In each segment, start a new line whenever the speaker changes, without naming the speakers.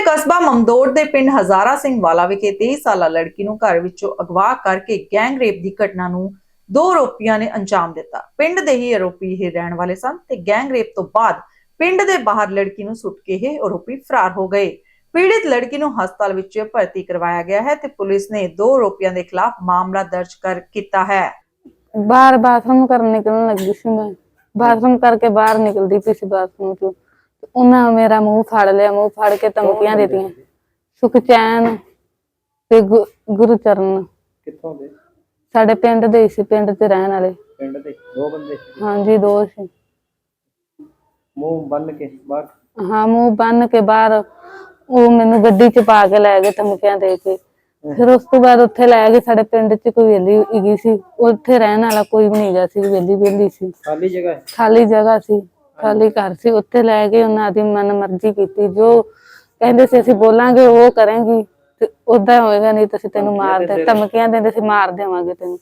ਕਸਬਾ ਮਮਦੋਟ ਦੇ ਪਿੰਡ ਹਜ਼ਾਰਾ ਸਿੰਘ ਵਾਲਾ ਵਿਖੇ 23 ਸਾਲਾ ਲੜਕੀ ਨੂੰ ਘਰ ਵਿੱਚੋਂ ਅਗਵਾ ਕਰਕੇ ਗੈਂਗ ਰੇਪ ਦੀ ਘਟਨਾ ਨੂੰ ਦੋ ਆਰੋਪੀਆਂ ਨੇ ਅੰਜਾਮ ਦਿੱਤਾ। ਪਿੰਡ ਦੇ ਹੀ ਆਰੋਪੀ ਇਹ ਰਹਿਣ ਵਾਲੇ ਸਨ ਤੇ ਗੈਂਗ ਰੇਪ ਤੋਂ ਬਾਅਦ ਪਿੰਡ ਦੇ ਬਾਹਰ ਲੜਕੀ ਨੂੰ ਸੁੱਟ ਕੇ ਇਹ ਆਰੋਪੀ ਫਰਾਰ ਹੋ ਗਏ। ਪੀੜਿਤ ਲੜਕੀ ਨੂੰ ਹਸਪਤਾਲ ਵਿੱਚ ਭਰਤੀ ਕਰਵਾਇਆ ਗਿਆ ਹੈ ਤੇ ਪੁਲਿਸ ਨੇ ਦੋ ਆਰੋਪੀਆਂ ਦੇ ਖਿਲਾਫ ਮਾਮਲਾ ਦਰਜ ਕੀਤਾ ਹੈ।
बाहर बाथरूम करने निकलने लगी सी, मैं बाथरूम करके बाहर निकलती पी सी बाथरूम चो। उन्हें मेरा मुंह फाड़ लिया, मुंह फाड़ के धमकियां दी। सुखचैन ते गुरचरण साडे पिंड दे सी, पिंड ते रहन वाले।
पिंड दे दो बंदे?
हां जी, दो सी।
मुंह बन के बाहर?
हां, मुंह बन के बाहर। वो मैनू गड्डी च पा के लै गए धमकियां दे के। फिर उस तो बाद उत्थे लै गए, साडे पिंड च कोई वेली हैगी सी, उत्थे रहन वाला कोई भी नहीं गा सी, वेली सी।
खाली जगह?
खाली जगह सी, खाली घर सी। उत्थे लै गए, उन्हां दी मन मर्जी कीती, जो कहंदे सी असीं बोलांगे वो करेंगी ते उदां होएगा, नहीं तां असीं तैनूं मार दे, धमकियां दिंदे सी मार देवांगे तैनूं।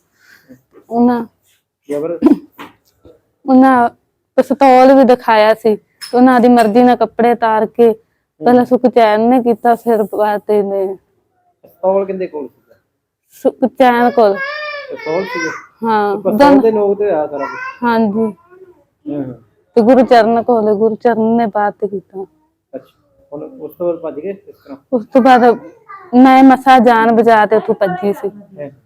उन्हां पिस्तौल भी दिखाया सी, उन्हां दी मर्जी नाल कपड़े तार के पहले सुखचैन ने कीता, फिर बात ने
पिस्तौल किंदे कोल सी?
सुखचैन कोल।
पिस्तौल सी?
हां,
पिस्तौल दे नोक ते होया सारा कुछ?
हां जी। ते गुरचरण कोल, गुरचरण ने बात कीता।
अच्छा, हुण उस तो बाद भज गए किस तरह?
उस तो बाद मैं मसा जान बचा के उत्थों भजी सी,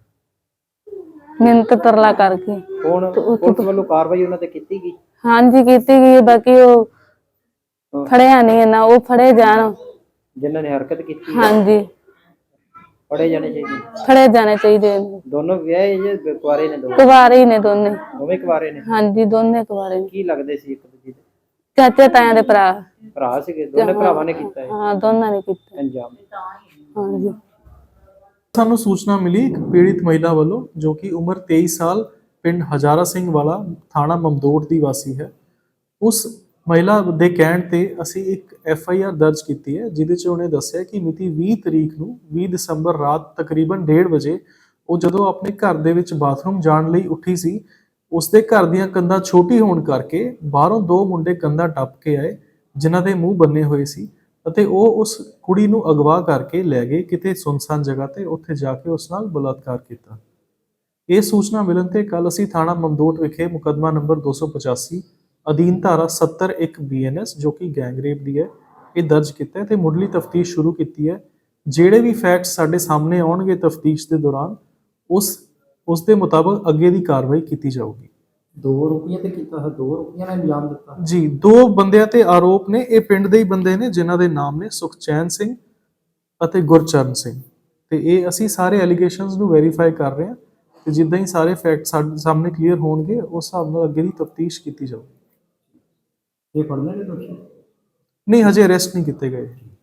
मिन्नत तरला करके।
हुण पुलिस वालों कार्रवाई उन्हां ते कीती गई?
हां जी, कीती गई। बाकी वो फड़िया नहीं है ना, वो फड़े जान
जिन्हां ने हरकत कीती।
हां जी,
फड़े जाने चाहिए।
फड़े जाने चाहिए।
दोनों विआहे जे कुआरे ने?
कुवारे ही ने दोने।
दोवें कुआरे ने?
हां जी, दोने कुवारे ने।
की लगदे सी एक दूजे दे?
चाचे ताया दे भरा।
भरा सीगे? दोने भरावां ने कीता है
हां, दोनां ने कीता
अंजाम?
हां जी।
ਸਾਨੂੰ ਸੂਚਨਾ ਮਿਲੀ ਇੱਕ ਪੀੜਿਤ ਮਹਿਲਾ ਵੱਲੋਂ ਜੋ ਕਿ ਉਮਰ 23 ਸਾਲ ਪਿੰਡ ਹਜ਼ਾਰਾ ਸਿੰਘ ਵਾਲਾ ਥਾਣਾ ਮਮਦੋਟ ਦੀ ਵਾਸੀ ਹੈ। ਉਸ ਮਹਿਲਾ ਦੇ ਕਹਿਣ ਤੇ ਅਸੀਂ ਇੱਕ FIR ਦਰਜ ਕੀਤੀ ਹੈ, ਜਿਹਦੇ 'ਚ ਉਹਨੇ ਦੱਸਿਆ ਕਿ ਮਿਤੀ 20 ਤਰੀਕ ਨੂੰ 20 ਦਸੰਬਰ ਰਾਤ ਤਕਰੀਬਨ 1:30 ਵਜੇ ਉਹ ਜਦੋਂ ਆਪਣੇ ਘਰ ਦੇ ਵਿੱਚ ਬਾਥਰੂਮ ਜਾਣ ਲਈ ਉੱਠੀ ਸੀ, ਉਸਦੇ ਘਰ ਦੀਆਂ ਕੰਧਾਂ ਛੋਟੀ ਹੋਣ ਕਰਕੇ ਬਾਹਰੋਂ ਦੋ ਮੁੰਡੇ ਕੰਧਾਂ ਟੱਪ ਕੇ ਆਏ, ਜਿਨ੍ਹਾਂ ਦੇ ਮੂੰਹ ਬੰਨੇ ਹੋਏ ਸੀ ਅਤੇ ਉਹ ਉਸ ਕੁੜੀ ਨੂੰ ਅਗਵਾ ਕਰਕੇ ਲੈ ਗਏ ਕਿਤੇ ਸੁੰਨਸਾਨ ਜਗ੍ਹਾ ਤੇ। ਉੱਥੇ ਜਾ ਕੇ ਉਸ ਨਾਲ ਬਲਾਤਕਾਰ ਕੀਤਾ। ਇਹ ਸੂਚਨਾ ਮਿਲਣ ਤੇ ਕੱਲ ਅਸੀਂ ਥਾਣਾ ਮਮਦੋਟ ਵਿਖੇ ਮੁਕੱਦਮਾ ਨੰਬਰ 285 ਅਧੀਨ ਧਾਰਾ 70(1) BNS ਜੋ ਕਿ ਗੈਂਗ ਰੇਪ ਦੀ ਹੈ, ਇਹ ਦਰਜ ਕੀਤਾ ਤੇ ਮੁੱਢਲੀ ਤਫਤੀਸ਼ ਸ਼ੁਰੂ ਕੀਤੀ ਹੈ। ਜਿਹੜੇ ਵੀ ਫੈਕਟਸ ਸਾਡੇ ਸਾਹਮਣੇ ਆਉਣਗੇ ਤਫਤੀਸ਼ ਦੇ ਦੌਰਾਨ ਉਸ ਦੇ ਮੁਤਾਬਕ ਅੱਗੇ ਦੀ ਕਾਰਵਾਈ ਕੀਤੀ ਜਾਊਗੀ।
ਦੋ ਰੁਪਈਆ ਤੇ ਕੀਤਾ ਹੈ, ਦੋ ਰੁਪਈਆ ਨੇ ਅੰਜਾਮ ਦਿੱਤਾ
ਜੀ। ਦੋ ਬੰਦਿਆਂ ਤੇ ਆਰੋਪ ਨੇ, ਇਹ ਪਿੰਡ ਦੇ ਹੀ ਬੰਦੇ ਨੇ ਜਿਨ੍ਹਾਂ ਦੇ ਨਾਮ ਨੇ ਸੁਖਚੈਨ ਸਿੰਘ ਅਤੇ ਗੁਰਚਰਨ ਸਿੰਘ, ਤੇ ਇਹ ਅਸੀਂ ਸਾਰੇ ਐਲੀਗੇਸ਼ਨਸ ਨੂੰ ਵੈਰੀਫਾਈ ਕਰ ਰਹੇ ਹਾਂ ਤੇ ਜਿੱਦਾਂ ਹੀ ਸਾਰੇ ਫੈਕਟ ਸਾਡੇ ਸਾਹਮਣੇ ਕਲੀਅਰ ਹੋਣਗੇ ਉਸ ਹਿਸਾਬ ਨਾਲ ਅੱਗੇ ਦੀ ਤਫਤੀਸ਼ ਕੀਤੀ ਜਾਊਗੀ।
ਇਹ ਫੜਨੇ ਨੇ ਦੋਸ਼ੀ?
ਨਹੀਂ, ਹਜੇ ਅਰੈਸਟ ਨਹੀਂ ਕੀਤੇ ਗਏ।